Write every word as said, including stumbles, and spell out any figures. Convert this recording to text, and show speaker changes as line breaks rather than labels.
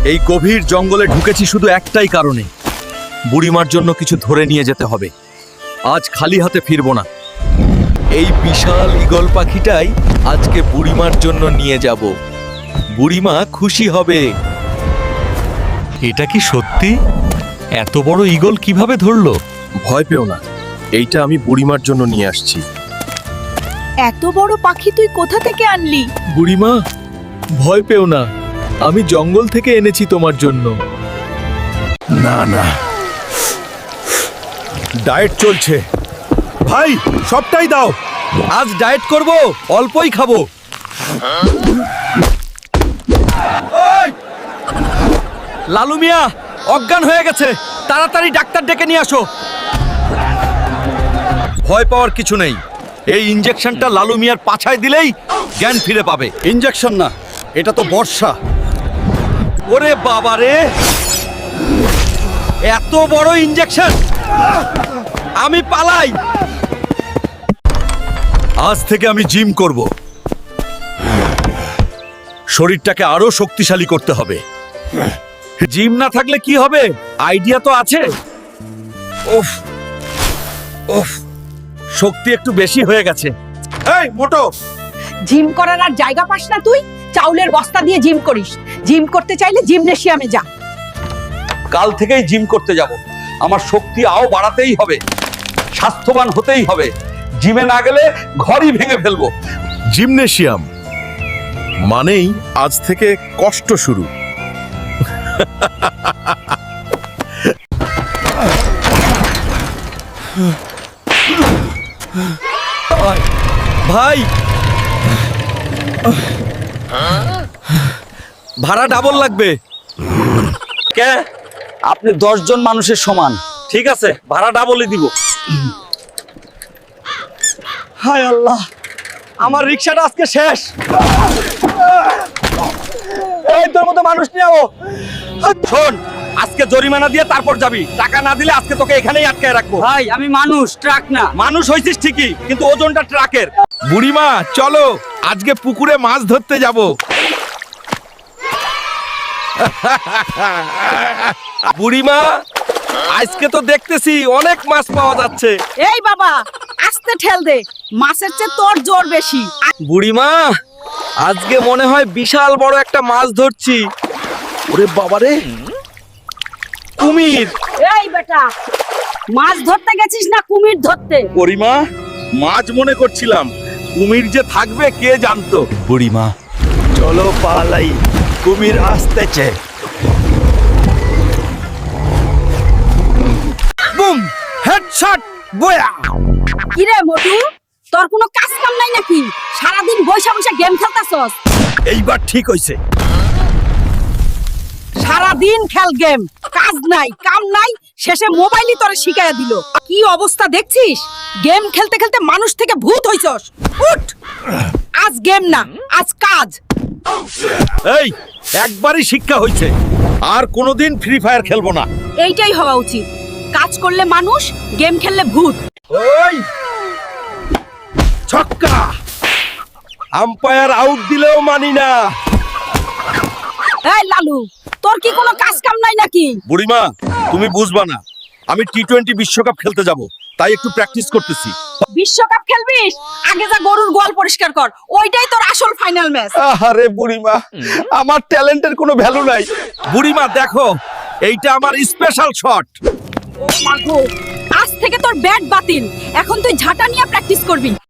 এই গভীর জঙ্গলে ঢুকেছি শুধু একটাই কারণে, বুড়িমার জন্য কিছু ধরে নিয়ে যেতে হবে। আজ খালি হাতে ফিরবো না। এই বিশাল ঈগল পাখিটাই আজকে বুড়িমার জন্য নিয়ে যাব। বুড়িমা খুশি হবে।
এটা কি সত্যি? এত বড় ঈগল কিভাবে ধরলো?
ভয় পেও না, এইটা আমি বুড়িমার জন্য নিয়ে আসছি।
এত বড় পাখি তুই কোথা থেকে আনলি?
বুড়িমা, ভয় পেও না, আমি জঙ্গল থেকে এনেছি তোমার জন্য। না না, ডায়েট চলছে। ভাই, সবটাই দাও। আজ ডায়েট করব, অল্পই খাবো। লালু মিয়া অজ্ঞান হয়ে গেছে, তাড়াতাড়ি ডাক্তার ডেকে নিয়ে আসো। ভয় পাওয়ার কিছু নেই, এই ইনজেকশনটা লালু মিয়ার পাছায় দিলেই জ্ঞান ফিরে পাবে।
ইনজেকশন না, এটা তো বর্ষা।
ওরে বাবা রে, এত বড় ইনজেকশন! আমি পালাই। আজ থেকে আমি জিম করব। শরীরটাকে আরো শক্তিশালী করতে হবে। জিম না থাকলে কি হবে? আইডিয়া তো আছে। উফ উফ, শক্তি একটু বেশি হয়ে গেছে। এই মোটো,
জিম করার আর জায়গা পাস না তুই? চাউলের বস্তা দিয়ে জিম করিস। জিম করতে চাইলে জিমনেশিয়ামে যা।
কাল থেকেই জিম করতে যাব। আমার শক্তি আও বাড়াতেই হবে, স্বাস্থ্যবান হতেই হবে। জিমে না গেলে ঘরই ভেঙে ফেলবো। জিমনেশিয়াম মানেই আজ থেকে কষ্ট শুরু। ভাই, ভাড়া ডাবল লাগবে। কে?
আপনি দশ জন মানুষের সমান।
ঠিক আছে, ভাড়া ডাবলই দিব।
হায় আল্লাহ, আমার রিক্সাটা আজকে শেষ। এই তোর মতো মানুষ নিয়ে আও।
শোন, আজকে জরিমানা দিয়ে তারপর যাবি। টাকা না দিলে আজকে তোকে এখানেই আটকায় রাখবো।
ভাই আমি মানুষ, ট্রাক না।
মানুষ হইছিস ঠিকই, কিন্তু ওজনটা ট্রাকের। বুড়িমা চলো, আজকে পুকুরে মাছ ধরতে যাব। বুড়িমা, আজকে তো দেখতেছি অনেক মাছ পাওয়া যাচ্ছে।
এই বাবা, আস্তে ঠেল দে, মাছের চেয়ে তোর জোর বেশি।
বুড়িমা, আজকে মনে হয় বিশাল বড় একটা মাছ ধরছি। ওরে বাবারে, কুমির!
এই বেটা, মাছ ধরতে গেছিস না কুমির ধরতে?
বুড়িমা, মাছ মনে করছিলাম, কুমির যে থাকবে কে জানতো। বুড়িমা চলো পালাই, কুমির আসতেছে। বুম, হেডশট, বয়া!
কিরে মোটু, তোর কোনো কাজ কাম নাই নাকি? সারাদিন বসে বসে গেম খেলতাছস।
এইবার ঠিক হইছে।
সারাদিন খেল গেম, কাজ নাই কাম নাই, শেষে মোবাইলই তোরে শিখাইয়া দিল। কি অবস্থা দেখছিস? গেম খেলতে খেলতে মানুষ থেকে ভূত হইছস। উঠ, আজ গেম না, আজ কাজ।
এই, একবারই শিক্ষা হইছে, আর কোনোদিন ফ্রি ফায়ার খেলবো না।
এইটাই হওয়া উচিত। কাজ করলে মানুষ, গেম খেললে ভূত।
ওই ছক্কা! আম্পায়ার আউট দিলেও মানি না।
এই লালু, তোর কি কোনো কাজ কাম নাই নাকি?
বুড়িমা, তুমি বুঝবা না, আমি টি টোয়েন্টি বিশ্বকাপ খেলতে যাব, তাই একটু প্র্যাকটিস করতেছি।
বিশ্বকাপ খেলবিস? আগে যা গরুর গোয়াল পরিষ্কার কর, ওইটাই তোর আসল ফাইনাল ম্যাচ।
আরে বুড়িমা, আমার ট্যালেন্টের কোনো ভ্যালু নাই। বুড়িমা দেখো, এইটা আমার স্পেশাল শট।
ও মাগো, আজ থেকে তোর ব্যাট বাতিল। এখন তুই ঝাঁটা নিয়ে প্র্যাকটিস করবি।